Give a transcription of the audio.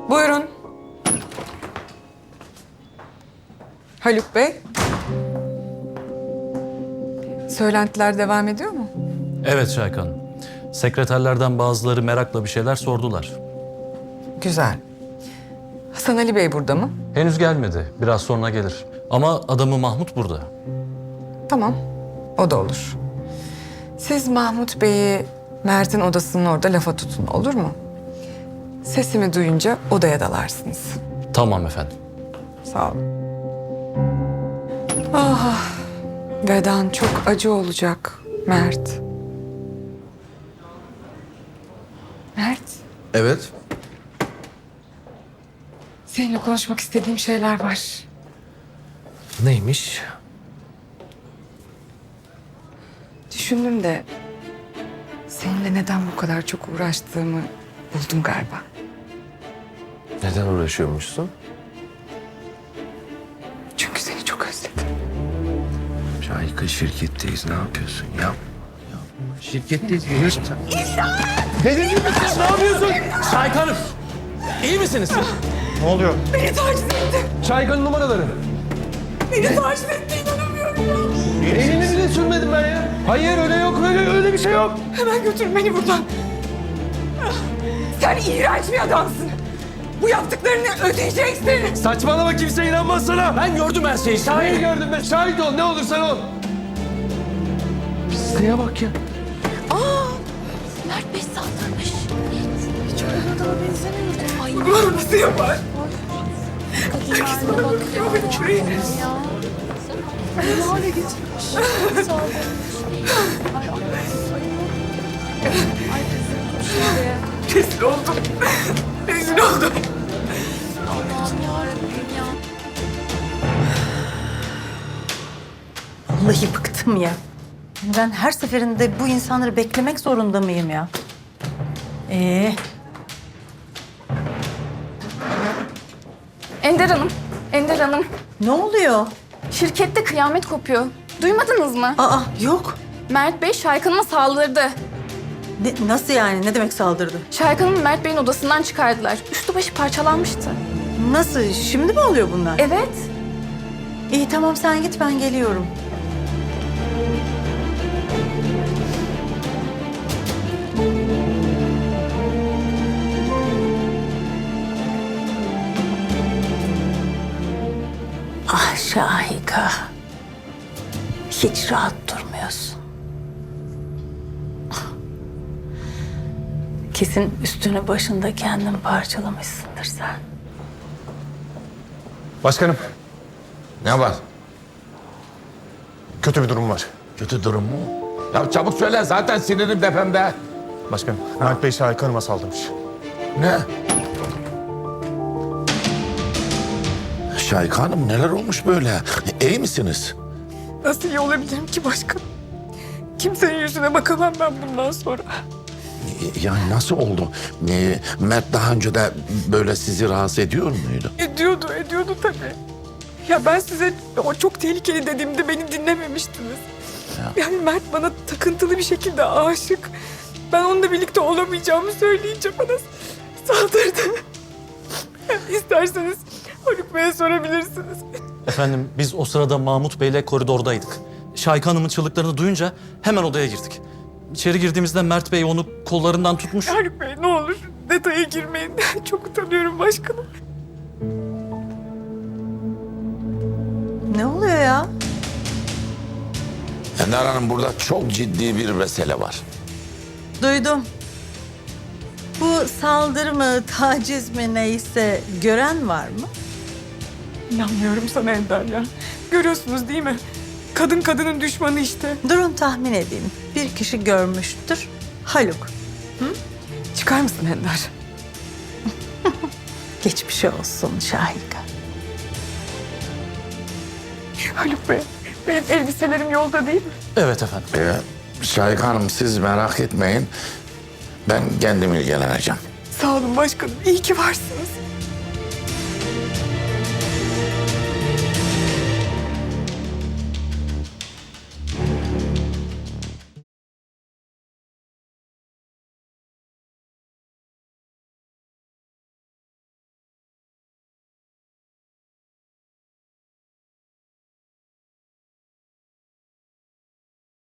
Buyurun. Haluk Bey. Söylentiler devam ediyor mu? Evet Şahika Hanım. Sekreterlerden bazıları merakla bir şeyler sordular. Güzel. Hasan Ali Bey burada mı? Henüz gelmedi. Biraz sonra gelir. Ama adamı Mahmut burada. Tamam. O da olur. Siz Mahmut Bey'i Mert'in odasının orada lafa tutun, olur mu? Sesimi duyunca odaya dalarsınız. Tamam efendim. Sağ olun. Ah, vedan çok acı olacak Mert. Mert, Evet. seninle konuşmak istediğim şeyler var. Neymiş? Düşündüm de seninle neden bu kadar çok uğraştığımı buldum galiba. Neden uğraşıyormuşsun? Çünkü seni çok özledim. Şahika şirketteyiz. Ne yapıyorsun? Yapma. Şirketteyiz. Görüyorsun sen. Delirdin mi sen? Ne yapıyorsun? Şahika Hanım! İyi misiniz siz? Ne oluyor? Beni taciz etti. Şahika'nın numaraları. Beni taciz etti, inanamıyorum ya. Elini bile sürmedim ben ya. Hayır öyle yok. Öyle bir şey yok. Hemen götürün beni buradan. Sen iğrenç bir adamsın. Bu yaptıklarını ödeyeceksin. Saçmalama, kimse inanmaz sana. Ben gördüm her şeyi. Neyi gördüm ben? Şahit ol, ne olursan ol. Pisliğe bak ya. Mert Bey saldırmış. Hiç öyle adama benzemiyordu. Ay Bunu nasıl yapar? kadınlarla bakıyor. Şurayı. Ya. Ne hale getirmiş. Saldırmış. Ay ay. Ay üzüldüm şimdi. Rezil oldum. Rezil oldum. Allah'ım yarabbim ya. Vallahi bıktım ya. Ben her seferinde bu insanları beklemek zorunda mıyım ya? Ender Hanım, Ender Hanım. Ne oluyor? Şirkette kıyamet kopuyor. Duymadınız mı? Aa yok. Mert Bey Şahika Hanım'a saldırdı. Nasıl yani? Ne demek saldırdı? Şahika Hanım'ı Mert Bey'in odasından çıkardılar. Üstü başı parçalanmıştı. Nasıl? Şimdi mi oluyor bunlar? Evet. İyi tamam sen git ben geliyorum. Ah Şahika. Hiç rahat durmuyorsun. Kesin üstünü başında kendin parçalamışsındır sen. Başkanım, Ne var? kötü bir durum var. Kötü durum mu? Ya çabuk söyle. Zaten sinirim tepemde. Başkanım, Mert Bey Şahika Hanım'a saldırmış. Ne? Şahika Hanım neler olmuş böyle? İyi misiniz? Nasıl iyi olabilirim ki başkanım? Kimsenin yüzüne bakamam ben bundan sonra. Yani nasıl oldu? Mert daha önce de böyle sizi rahatsız ediyor muydu? Ediyordu tabii. Ya ben size o çok tehlikeli dediğimde beni dinlememiştiniz. Yani Mert bana takıntılı bir şekilde aşık. Ben onunla birlikte olamayacağımı söyleyince bana saldırdı. İsterseniz Haluk Bey'e sorabilirsiniz. Efendim biz o sırada Mahmut Bey'le koridordaydık. Şahika Hanım'ın çığlıklarını duyunca hemen odaya girdik. İçeri girdiğimizde Mert Bey onu kollarından tutmuş. Haluk Bey ne olur detaya girmeyin. Çok utanıyorum başkanım. Ne oluyor ya? Ender Hanım burada çok ciddi bir mesele var. Duydum. Bu saldırı mı, taciz mi neyse gören var mı? İnanmıyorum sana Ender ya. Görüyorsunuz değil mi? Kadın kadının düşmanı işte. Durun tahmin edeyim. Bir kişi görmüştür. Haluk. Çıkar mısın Ender? Geçmiş olsun Şahika. Haluk Bey, benim elbiselerim yolda değil mi? Evet efendim. Şahika Hanım siz merak etmeyin. Ben kendim ilgileneceğim. Sağ olun başkanım. İyi ki varsınız.